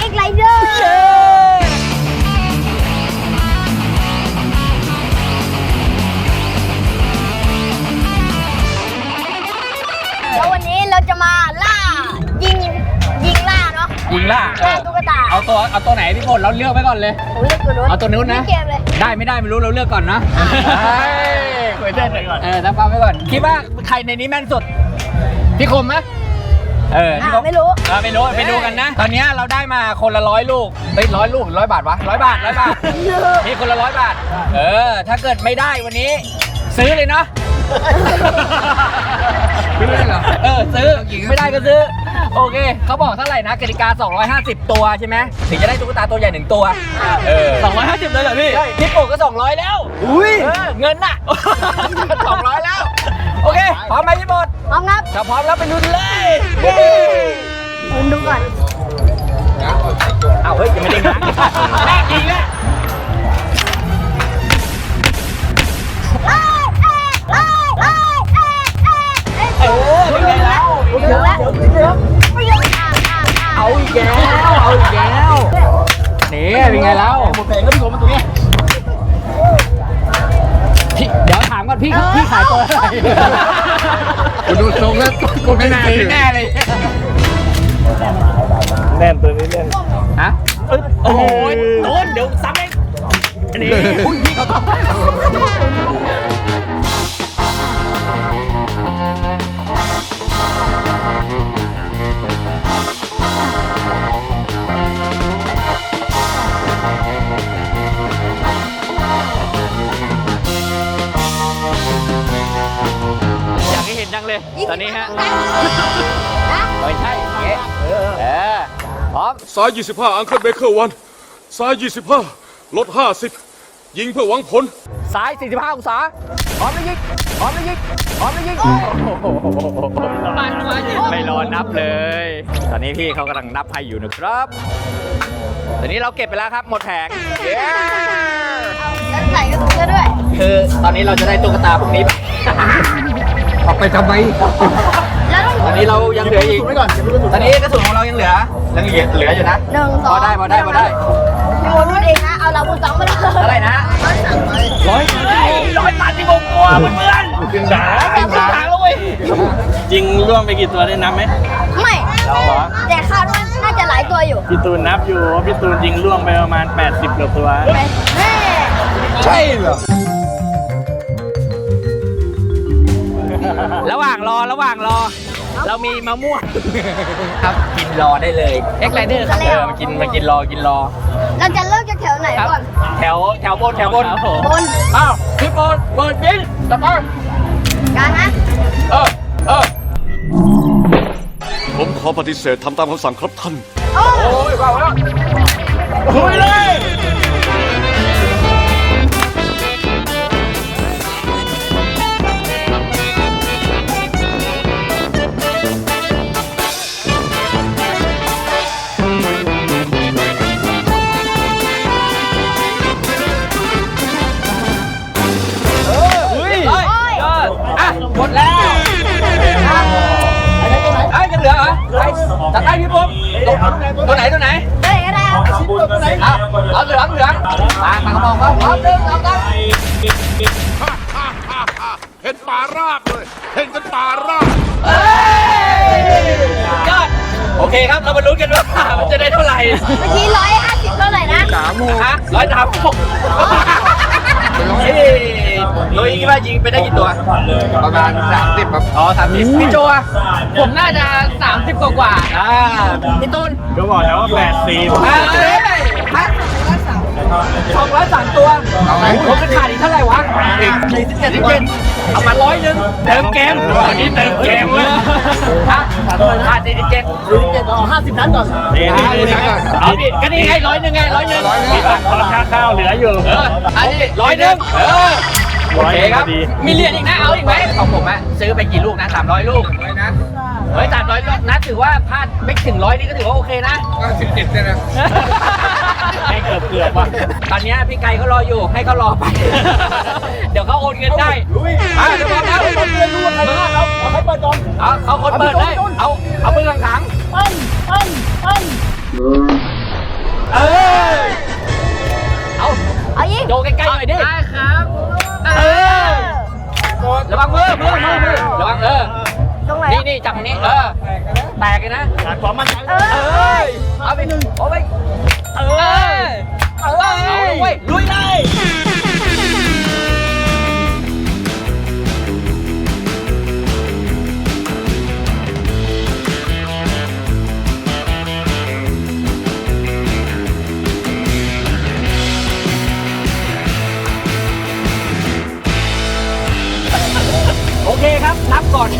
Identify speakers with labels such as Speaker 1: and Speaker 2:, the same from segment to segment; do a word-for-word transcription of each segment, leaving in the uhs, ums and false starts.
Speaker 1: เอ็กไลเดอร์แล้ววันนี้เราจะมาล่ายิงยิงล่าเนาะ
Speaker 2: ยิงล่า
Speaker 1: ล่าตุ๊กตา
Speaker 2: เอาตัวเอาตัวไหนพี่พลเราเลือกไว้ก่อนเลย
Speaker 1: ผมเลือกตัวนู้น
Speaker 2: เอาตัวนู้นนะได้ไม่ได้ไม่รู้เราเลือกก่อนนะคุยเต้นไปก่อนเออตั้งเป้าไว้ก่อนคิดว่าใครในนี้แม่นสุดพี่คมไหมเออ
Speaker 1: ไม่รู้
Speaker 2: เออไม่รู้ไปดูกันนะตอนนี้เราได้มาคนละร้อยลูกเฮ้ยร้อยลูกร้อยบาทวะร้อยบาทร้อยบาทนี่คนละร้อยบาทเออถ้าเกิดไม่ได้วันนี้ซื้อเลยเนาะซื้อเลยเหรอเออซื้อไม่ได้ก็ซื้อโอเคเขาบอกเท่าไหร่นะกติกาสองร้อยห้าสิบตัวใช่ไหมถึงจะได้ตุ๊กตาตัวใหญ่หนึ่งตัวเออสองร้อยห้าสิบเลยเหรอพี่ใช่พี่โป่งก็สองร้อยแล้วอุ้ยเงินน่ะสองร้อยแล้วโอเคพร้อมไหมพี่บด
Speaker 1: พร้อมครับ
Speaker 2: ถ้าพร้อมแล้วไปลุ้นเลย
Speaker 1: ลุ้นดูก่อน
Speaker 2: อ้าวเฮ้ยยังไม่ได้ง้างแม่จริงอ่ะเออเป็นไงแล้วเอาอีกแล้วเอาอีกแล้วนี่เป็นไงแล้วหมดเพลงก็พี่ผมมาตรงนี้พี่เดี๋ยวถามก่อนพี่พี่ขายตัวอะไร
Speaker 3: ดูทรงแล้วก็ไม่น่าถือ
Speaker 2: แน่เลย
Speaker 3: แน่นตัวนี้แน่น
Speaker 2: ฮะโอ้ยโดนเดี๋ยวซ้ำเองอันนี้อุ้ยพี่เขาต้องจังเลยตอนนี้ฮะไม่ใช่เงี้ยเออพร้อม
Speaker 4: ซ้ายยี่สิบห้าอังเคิลเบเกอร์วันซ้ายยี่สิบห้าลดห้าสิบยิงเพื่อหวังผล
Speaker 2: ซ้ายสี่สิบห้าองศาพร้อมแล้วยิงพร้อมแล้วยิงพร้อมแล้วยิงไม่รอนับเลยตอนนี้พี่เขากำลังนับให้อยู่นะครับตอนนี้เราเก็บไปแล้วครับหมดแผง
Speaker 1: แล้วใส่กระสุนด้วย
Speaker 2: คือตอนนี้เราจะได้ตุ๊กตาพวกนี้ไป
Speaker 3: ออกไปทำไม
Speaker 2: ตอนนี้เรายังเหลืออีกตอนนี้กระสุนของเรายังเหลือยังเหลืออยู่นะ
Speaker 1: หนึ่งสอง
Speaker 2: พอได้พอได้พอได้
Speaker 1: พี่โมพูดเองนะเอาเราพูดสองมาเลย
Speaker 2: เท่าไหร่นะร้อยร้อยตันที่ผมกลัวเพื่อน
Speaker 3: จริงด่า
Speaker 2: จริงด่าแล้วเว้ย
Speaker 3: จริงร่วงไปกี่ตัวได้นับไหม
Speaker 1: ไม่แต่คาดว่าน่าจะหลายตัวอยู่
Speaker 3: พี่ตูนนับอยู่พี่ตูนยิงร่วงไปประมาณแปดสิบกว่าตัว
Speaker 2: ใช่เหรอระหว่างรอระหว่างรอเรามีมะม่วงครับกินรอได้เลยเอ็กไลเดอร์ครับเออมากินมากินรอกินรอ
Speaker 1: เราจะเริ่มจากแถวไหนก่อน
Speaker 2: แถวแถวบนแถวบน
Speaker 1: บน
Speaker 2: อ้าวพี่บนเปิดบินตะปอน
Speaker 1: การนะ
Speaker 2: เออเออ
Speaker 4: ผมขอปฏิเสธทำตามคำสั่งครับท่าน
Speaker 2: โอ้ยว้าวแล้วคุยเลยหมดแล้วไอ้ยังเหลือเหรอไอ้จัดได้พี่ปุ๊บตัวไหนตัวไหน
Speaker 1: ตัวไหนก็ได้เอา
Speaker 2: ตัวไหนเอาเอาเหลืองเหลืองตาตากระบอกว่าพร้อมเดินเอาตั้ง
Speaker 4: เห็นป่าราบเลยเห็นกันป่าราบ
Speaker 2: ยอดโอเคครับเรามาลุ้นกันว่ามันจะได้เท่าไหร่
Speaker 1: เมื่อกี้ร้อยห้าสิบเท่าไหร่นะ
Speaker 2: สามโมงฮะร้อยสามหกโดยคิดว่ายิงไปได้กี่ตัว
Speaker 3: ประมาณสามสิบครับ
Speaker 2: อ๋อสามสิบพี่โจอะผมน่าจะสามสิบกว่ากว่าอ่าพี่ต้น
Speaker 3: ก็บอกแล้วว่าแปดสิบ
Speaker 2: สองร้อยสามตัวผมจะขาดอีกเท่าไหร่วะอีกสี่สิบเจ็ดสิบเจ็ดเอามาร้อยหนึ่งเติมเกมอันนี้เติมเกมเลยฮะขาดสี่สิบเจ็ดสี่สิบเจ็ดเอาห้าสิบนัดก่อนเอาดิก็นี่ไงร้อยหนึ่งไงร้อยหนึ่ง
Speaker 3: ราคาข้าวเหลืออยู่
Speaker 2: เอออันนี้ร้อยหนึ่งเออโอเคครับมีเหรียญอีกนะเอาอีกไหมของผมอะซื้อไปกี่ลูกนะสามร้อยลูกนะเฮ้ยสามร้อยนัดถือว่าพลาดไม่ถึงร้อยนี่ก็ถือว่าโอเคนะ
Speaker 3: สิบเจ็ดเลยนะ
Speaker 2: ให้เกือบเกือบว่ะตอนนี้พี่ไก่เขารออยู่ให้เขารอไปเดี๋ยวเขาโอนเงินได้อ่ะเดี๋ยวพร้อมแล้วเราเรียนรู้อะไรบ้างเราเอาให้เปิดก่อนเอาเขาคนเปิดเลยเอาเอามือขังๆ
Speaker 1: ปั้นปั้นปั้น
Speaker 2: เออแตกเลยนะ
Speaker 5: ขาดความมั่นใจ
Speaker 1: เอ
Speaker 2: เอ
Speaker 1: อ้
Speaker 2: ยเอาไปหนึ่งเอาไปเออเอาเลยเว้ยลุยเลย โอเคครับนับก่อน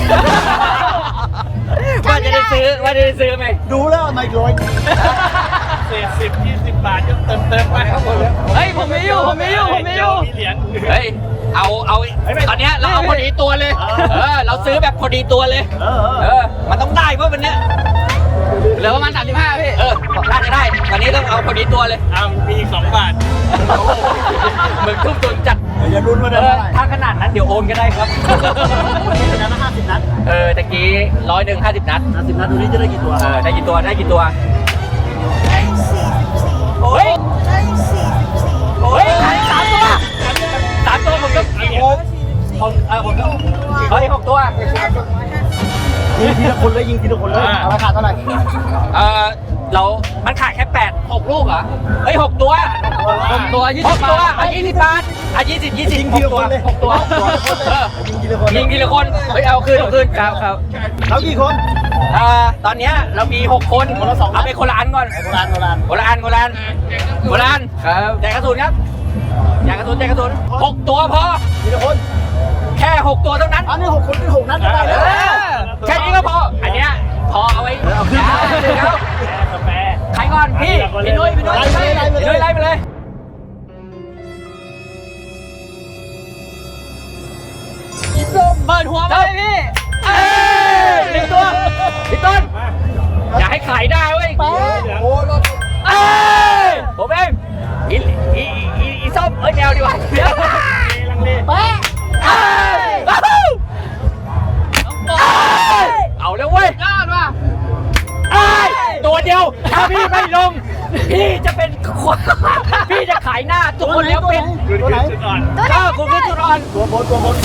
Speaker 2: ว่าจะได้ซื้อว่าจะได้ซื้อไหม
Speaker 5: ดูแล้วไม่ร้อยเศษสิบยี่สิบบาทก็เติมเติมไปครับผม
Speaker 2: เฮ้ยผมไม่อยู่ผมไม่อยู่ผมไม่อยู่
Speaker 5: มีเหรียญ
Speaker 2: เฮ้ยเอาเอาตอนเนี้ยเราเอาพอดีตัวเลย เออเราซื้อแบบพอดีตัวเลย
Speaker 5: เออ
Speaker 2: เออมันต้องได้เพราะวันเนี้ยเหลือประมาณสามสิบห้าพี่เออน่าจะได้วันนี้ต้องเอาพอดีตัวเลย
Speaker 5: อ่ามีอีกสองบาท
Speaker 2: เหมือนทุ่มทุนจัด
Speaker 5: อย่าลุ้นว่า
Speaker 2: เอ
Speaker 5: ได้
Speaker 2: อ
Speaker 5: เท่าไหร่
Speaker 2: ถ้าขนาดนั้นเดี๋ยวโอนก็ได้ครับ
Speaker 5: ชนะมาห้าสิบนัด
Speaker 2: เออตะกี้ร้อยหนึ่งห้าสิบนัด
Speaker 5: ห้าสิบนัดดูนี้จะได้กี่ตัว
Speaker 2: เออได้กี่ตัวได้กี่ตัว
Speaker 1: ได้สี่สิบสี่
Speaker 2: โอ้ย
Speaker 1: ได้สี่สิบสี่
Speaker 2: โอ้ยขายสามตัวสามตัวผมก็ผมผมเออผมก็เฮ้ยหกตัว
Speaker 5: ยิงทีละคนเลยยิงทีละคนเลยเอาราคาเท่าไหร่
Speaker 2: เออเรามันขายแค่แปดหกลูกเหรอเฮ้ยหกตัวหกตัวยี่สิบตัวอ่ะยี่สิบบาทอ่ะยี่สิบยี่สิบหกตัวหกตัวเออ
Speaker 5: ยิงทีละคน
Speaker 2: ยิงทีละคนเฮ้ยเอาคืนเอาคืนครับครับ
Speaker 5: เขากี่คน
Speaker 2: เอ่อตอนเนี้ยเรามีหกคน
Speaker 5: คนละสองนัด
Speaker 2: เอาไปคนละอันก่อน
Speaker 5: โบราณโบราณ
Speaker 2: คนละอันคนละอันคนละอันครับแจกกระสุนครับแจกกระสุนแจกกระสุนหกตัวพอ
Speaker 5: ทีละคน
Speaker 2: แค่หกตัวเท่านั้น
Speaker 5: อันนี้หกคนเป็นหกนัดก็ได้
Speaker 2: เอ
Speaker 5: แล้ว
Speaker 2: อแค่นี้ก็พออันเนี้ยพอเอาไว้เอาขึ้นครับ
Speaker 5: กาแฟ
Speaker 2: ใครก่อนพี่พี่นุ้ยพี่นุ้ย
Speaker 5: ไล่ไปเลย
Speaker 2: พี่นุ้ยไล่ไปเลยเปิดหัวมาเลยพี่เอ้ยหนึ่งตัวพี่ต้นอย่าให้ขายได้เว้ย
Speaker 5: โอ้รถ
Speaker 2: เอ้ยผมเองอีอีอีอีส้มเอ้ยแมวดีกว่าเดี๋ยว
Speaker 5: ลังเล
Speaker 1: เป๊ะ
Speaker 2: เอ้ยเอาแล้วเว้ยยอดว่ะตัวเดียวถ้าพี่ไม่ลง พี่จะเป็นคนพี่จะขายหน้าตัวคนแล้วเป็น
Speaker 5: ตัวไหน
Speaker 1: ตัวไหน
Speaker 2: ก็คุณคือจุดอ่อน
Speaker 5: ตัวบนตัวบน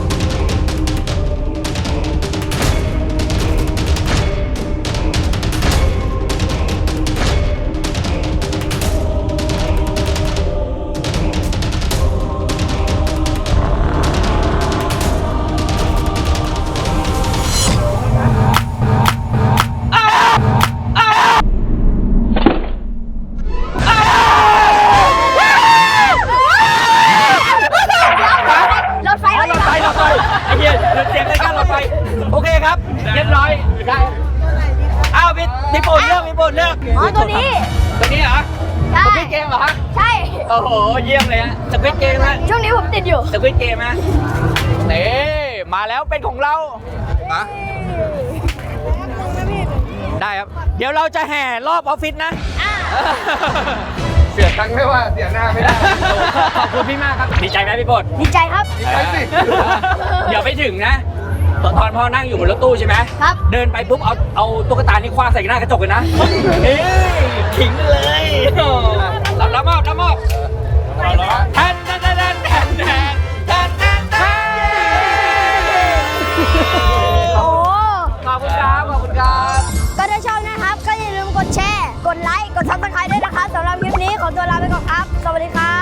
Speaker 1: รถไฟรถ
Speaker 2: รถ
Speaker 1: ไฟ
Speaker 2: ไฟรถไฟไอ้เหี้ยหยุดเสียงรายการรถไฟโอเคครับเรียบร้อยได้อ้าวพี่พี่โปนเลือกพี่โปนเลือก
Speaker 1: อ๋อตัวนี้
Speaker 2: ตัวนี้เหรอ
Speaker 1: ใช่
Speaker 2: สควิดเกมเหรอฮะ
Speaker 1: ใช่
Speaker 2: โอ้โหเยี่ยมเลยฮะสควิดเกมฮะ
Speaker 1: ช่วงนี้ผมติดอยู่
Speaker 2: สควิดเกมฮะนี่มาแล้วเป็นของเราได้ครับ เดี๋ยวเราจะแห่รอบออฟฟิศนะ
Speaker 1: อ่า
Speaker 3: เสียตังค์ไม่ว่าเสียหน้าไม่ได้
Speaker 2: ขอบคุณพี่มากครับ ดีใจไหมพี่โปด
Speaker 1: ดีใจครับ
Speaker 3: ไปสิ
Speaker 2: เดี๋ยวไปถึงนะ ตอนตอนพ่อนั่งอยู่บนรถตู้ใช่ไหม
Speaker 1: ครับ
Speaker 2: เดินไปปุ๊บเอาเอาตุ๊กตานี่คว้างใส่หน้ากระจกเลยนะเฮ้ยขิงเลยรับรับมอบรับมอบแทนแทนแทนแทนแทนแทนแทนแทน
Speaker 1: โอ้
Speaker 2: ขอบคุณครับขอบคุณครับ
Speaker 1: ก็ถ้าชอบนะครับ ก็อย่าลืมกดแชร์ กดไลค์ กดซับสไครต์ด้วยนะครับสำหรับคลิปนี้ขอตัวลาไปก่อนครับ สวัสดีครับ